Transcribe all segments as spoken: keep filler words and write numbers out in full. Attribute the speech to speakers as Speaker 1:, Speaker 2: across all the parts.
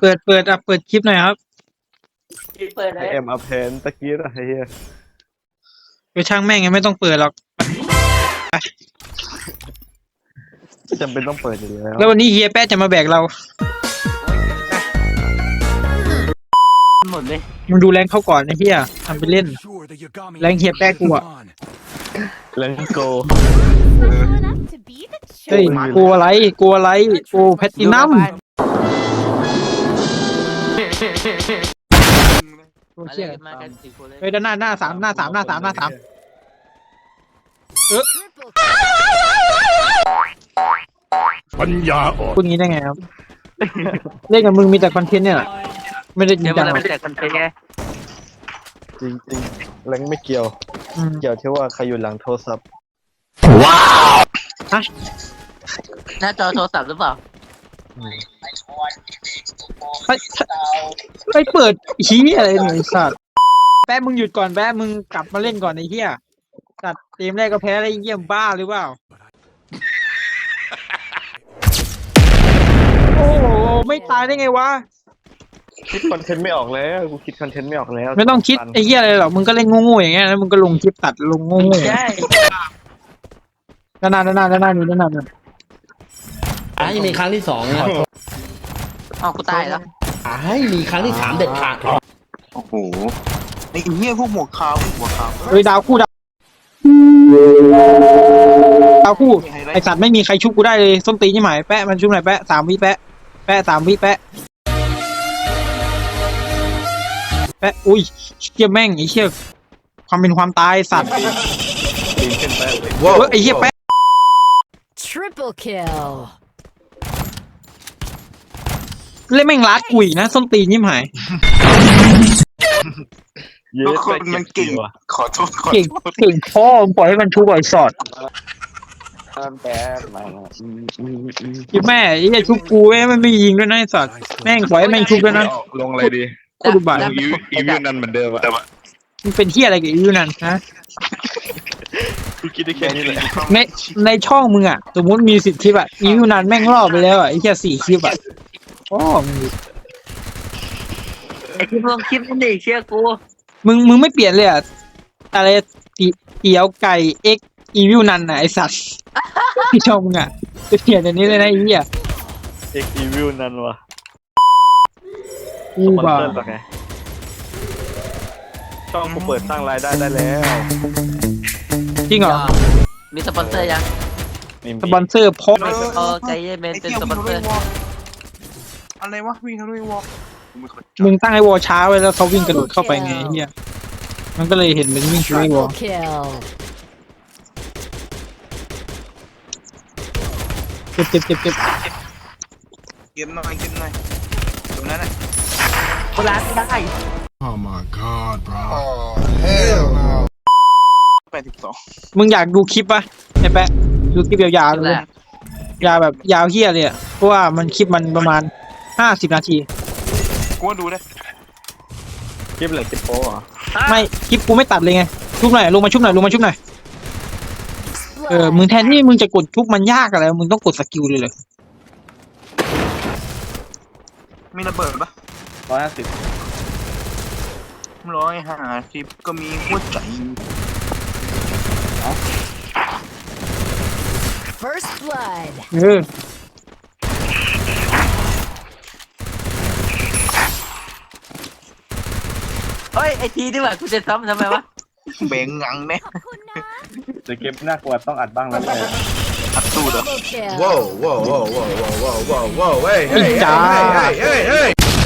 Speaker 1: เปิดเปิดอ่ะเปิดคลิปหน่อยครับ
Speaker 2: เปิดเล
Speaker 3: ไอย เอ็มอัพเพนตะกี้อะไรเฮีย
Speaker 1: ไปช่างแม่งยังไม่ต้องเปิดหรอก
Speaker 3: ไม่จำเป็นต้องเปิดอยู่แล้ว
Speaker 1: แล้ววันนี้เฮียแป๊ะจะมาแบกเรา
Speaker 2: หมดเลย
Speaker 1: มึงดูแรงเข้าก่อนไอ้เฮียทำไปเล่นแรงเฮียแป๊ะกูอะ
Speaker 3: เลนโก
Speaker 1: เฮ้ยกลัวอะไรกลัวอะไรกูแพตตินัมโอ้
Speaker 2: มา
Speaker 1: เชี่ย
Speaker 2: เลยมากันสี่คนเลย
Speaker 1: เฮ้ยด้านหน้าหน้าสามหน้าสามหน้าสามหน้าสามเออ
Speaker 4: ปัญญาอ่อน
Speaker 1: พูดงี้ได้ไงครับ เล่นกับมึงมีแต่คอนเทนต์เนี่ยแหละไม่ได้จริ
Speaker 2: เดี๋
Speaker 1: ง
Speaker 2: ยว
Speaker 1: จั
Speaker 2: มัน
Speaker 1: งหร
Speaker 2: จะ
Speaker 1: อก
Speaker 2: ไปแจกคอนเทนต์ไง
Speaker 3: จริงจริงๆแรงไม่เกี่ยว
Speaker 1: อืม
Speaker 3: เกี่ยวที่ว่าใครอยู่หลังโทรศัพท์
Speaker 1: ฮะ
Speaker 2: หน้าจอโทรศัพท์หรือเปล่า
Speaker 1: ไปไปเปิดชี้อะไรเนี่ยไอ้สัตว์แป๊ะมึงหยุดก่อนแป๊ะมึงกลับมาเล่นก่อนไอ้เหี้ยสัตว์เกมแรกก็แพ้แล้วไอ้เหี้ยบ้าหรือเปล่าโอ้โหไม่ตายได้ไงวะ
Speaker 3: คิดคอนเทนต์ไม่ออกแล้วกูคิดคอนเทนต์ไม่ออกแล้ว
Speaker 1: ไม่ต้องคิดไอ้เหี้ยอะไรหรอกมึงก็เล่นโง่ๆอย่างเงี้ยแล้วมึงก็ลงคลิปตัดลงโง่ๆ
Speaker 2: ใช่
Speaker 1: ด้านหน้าด้านหน้าด้านหน้านี่ด้านหน้านี่
Speaker 5: อ่าให้มีครั้งที่สองนะ
Speaker 2: อ้าวกูตายแล้ว
Speaker 5: อ่าให้มีครั้งที่สามเด็ดขาด
Speaker 6: โอ้โหไอ้เหี้ยพวกหมวกขาวพวกหัวขาว
Speaker 1: เฮ้ยดาวคู่ดาวดาวคู่ไอสัตว์ไม่มีใครชุบกูได้เลยส้นตีนยี่หมายแปะมันชุบหน่อยแปะสามวิแปะแปะสามวิแปะแปะอุ้ยเชี่ยแม่งไอ้เชี่ยความเป็นความตายสัตว์
Speaker 3: ปีนขึ้นไปเลย
Speaker 1: เฮ้ยไอ้เชี่ยแปะ
Speaker 7: Triple kill.
Speaker 1: เล่นแม่งลัดกุยนะส้นตีนยี่หมาย
Speaker 3: เย้
Speaker 6: ทุกคนมันเก่ง
Speaker 3: ว่ะ
Speaker 6: ขอโทษขอ
Speaker 1: เก่ง
Speaker 6: โทษ
Speaker 1: เก่งพ่อมึงปล่อยให้มันชุบบ่อยสอด
Speaker 3: แต่มาอืมอืมอืม
Speaker 1: ยี่แม่ไอ้เชี่ยชุบกูแม่งมันไม่ยิงด้วยนะไอ้สัตว์แม่งปล่อยให้แม่งชุบด้วยนะ
Speaker 3: ลงอะไรดี
Speaker 1: โคตรดุบัน
Speaker 3: อีวิวอีวิวนั่นเหมือนเดิมอะ
Speaker 1: มันเป็นที่อะไรกับอีวิวนั่นฮะ
Speaker 3: กูคิดได้แค่นี้เลย
Speaker 1: ในในช่องมึงอ่ะสมมติมีสิบคลิปอ่ะอีวิวนันแม่งรอบไปแล้วอ่ะไอ้แค่สี่คลิปอ่ะโอ้มึง
Speaker 2: ไอ้ที่เพิ่งคลิปนั่นดิเชื่อกู
Speaker 1: มึงมึงไม่เปลี่ยนเลยอ่ะอะไรตีเตี๋ยวไก่เอ็กอีวิวนันอ่ะไอสัตว์ที่ช่องมึงอ่ะจะเปลี่ยนอันนี้เลยนะไอ้เหี้ย
Speaker 3: เอ็กอีวิวนั่นวะ
Speaker 1: กู
Speaker 3: สปอน
Speaker 1: บ้า
Speaker 3: เซอร์ปะไงช่องกูเปิดสร้างรายได้ได้แล้ว
Speaker 1: จริงเหรอ
Speaker 2: มีสปอนเซอร์ยัง
Speaker 3: ไม่มี
Speaker 1: สปอนเซอร์พก
Speaker 2: เออใจเย็นเมน
Speaker 6: ไอ้
Speaker 2: เป็น
Speaker 6: เหี้ย
Speaker 2: ส
Speaker 6: วิ่
Speaker 2: ป
Speaker 6: ง
Speaker 2: อน
Speaker 6: ทะ
Speaker 2: เซอร์
Speaker 6: ลุวอลอะไรวะวิ่งทะลุวอลกูไม่เข้าใจ
Speaker 1: มึงตั้งไอ้วอลช้าไว้แล้วเขาวิ่งกระโดดเข้าไปไงไอ้เหี้ยมันก็เลยเห็นเป็นวิ่งช่วยวอล
Speaker 7: Triple kill.
Speaker 1: เจ็บเจ็บเจ็บเจ็บ
Speaker 6: เกมหน่อยเกมหน่อยตรงนั้นน่ะ
Speaker 2: โบราณไม่ได้
Speaker 4: Oh my god bro
Speaker 6: แปดสิบสอง
Speaker 1: มึงอยากดูคลิปปะไอ้แปะดูคลิปยาวๆเลย ยาวแบบยาวเฮี้ยเลยอ่ะเพราะว่ามันคลิปมันประมาณห้าสิบนาที
Speaker 6: กูว่าดูได้
Speaker 3: คลิปอะไรคลิปโป้เหรอ
Speaker 1: ไม่คลิปกูไม่ตัดเลยไงชุบหน่อยลงมาชุบหน่อยลงมาชุบหน่อยเออมึงแทนที่มึงจะกดชุบมันยากอะไรมึงต้องกดสกิลเลยเลย
Speaker 6: มีระเบิดปะ
Speaker 3: ร้อยห้าสิบ
Speaker 6: ร้อยห้าสิบก็มีหัวใจ
Speaker 7: First blood.
Speaker 1: เออ
Speaker 2: เฮ้ยไอทีดีกว่ากูจะซ้ำทำไมวะ
Speaker 6: แบ่งงังแน่
Speaker 3: แต่เกมน่ากลัวต้องอัดบ้างแล้วแหละ
Speaker 6: อัดตูดเหรอ
Speaker 7: Double kill.
Speaker 4: Whoa whoa whoa whoa whoa whoa whoa whoa hey
Speaker 1: อี
Speaker 4: hey
Speaker 1: จ้า
Speaker 4: hey hey hey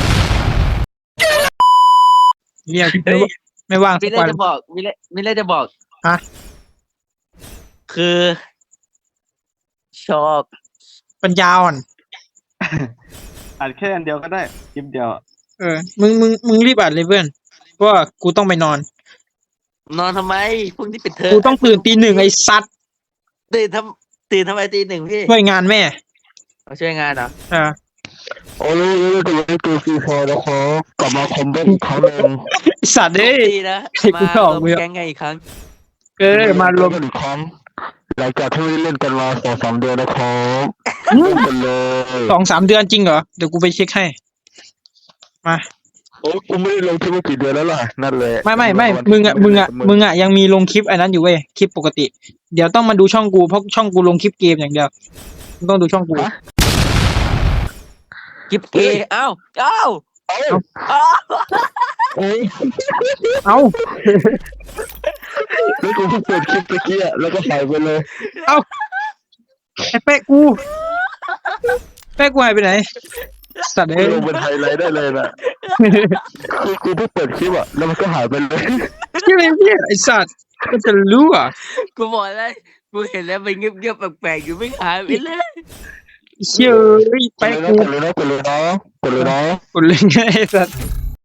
Speaker 1: เรียกไม่ว่าง
Speaker 2: มี
Speaker 1: สัก
Speaker 2: อะไร
Speaker 1: วัน
Speaker 2: จะบอกมีอะไรมีอะไรจะบอก
Speaker 1: ฮะ
Speaker 2: คือ ชอบ
Speaker 1: ปัญญาอ่อน
Speaker 3: อัดแค่อันเดียวก็ได้คลิปเดียวอะ
Speaker 1: เออมึงมึงมึงรีบอัดเลยเพื่อนเพราะว่ากูต้องไปนอน
Speaker 2: นอนทำไมพรุ่งนี้ปิดเทอม
Speaker 1: กูต้องตื่นตีหนึ่งไอ้สัตว์
Speaker 2: ตื่นทำตื่นทำไมตีหนึ่งพี่
Speaker 1: ช่วยงานแม่
Speaker 2: มาช่วยงานเหรอ
Speaker 1: อ่า
Speaker 5: โอ้ยก็ยังไม่เกิดฟีฟอร์นะครับกลับมาคอมเบนอีกครั้งหนึ่ง
Speaker 1: ไอ้สัตว์เอ้ย
Speaker 2: ดีนะ
Speaker 1: ให้
Speaker 2: มา
Speaker 1: กู
Speaker 2: ร
Speaker 1: เข้าว
Speaker 2: ม
Speaker 1: มือ
Speaker 2: แก๊งไงอีกครั้ง
Speaker 1: เออมารวม
Speaker 5: กันอีกครั้งหลังจากที่ไม่ได้เล่นกันมาสองสามเดือนนะครับ
Speaker 1: อืม
Speaker 5: เล่นกันเลย
Speaker 1: สองสามเดือนจริงเหรอเดี๋ยวกูไปเช็คให้มา
Speaker 5: โอ้กูไม่ได้ลงคลิปมากี่เดือนแล้วล่ะนั่นเลย
Speaker 1: ไม่ไม่ไม่มึงอ่ะมึงอ่ะมึงอ่ะยังมีลงคลิปอันนั้นอยู่เว้ยคลิปปกติ เดี๋ยวต้องมาดูช่องกูเพราะช่องกูลงคลิปเกมอย่างเดียวมึงต้องดูช่องกู
Speaker 2: กิบเกย์เอ้าเอ้า
Speaker 5: เอ้า
Speaker 2: เอ้า
Speaker 5: เอ้ย
Speaker 1: เอ้า
Speaker 5: แล้วกูเพิ่งเปิดคลิปตะกี้อะแล้วก็หายไปเลย
Speaker 1: เอ้าไอ้เป๊ะกูเป๊ะกูหายไปไหนสัตว์
Speaker 5: กู
Speaker 1: เอ้ย
Speaker 5: ลงเป็นไฮไลท์ได้เลยนะคือกูเพิ่งเปิดคลิปอะแล้วมันก็หายไปเลย
Speaker 1: ที่ไหนเนี่ยไอ้สัตว์ก็จะรู้อ่ะ
Speaker 2: กูบอกแล้วกูเห็นแล้วมันเงียบๆแปลกๆอยู่ไม่หายไปเลย
Speaker 1: เชื่อเอ้ย
Speaker 5: กด
Speaker 1: เป๊ะ
Speaker 5: เลย
Speaker 1: กู
Speaker 5: นะกดเลยนะกดเลยนะกดเลยนะ
Speaker 1: กดเลยไงไอ้สัตว์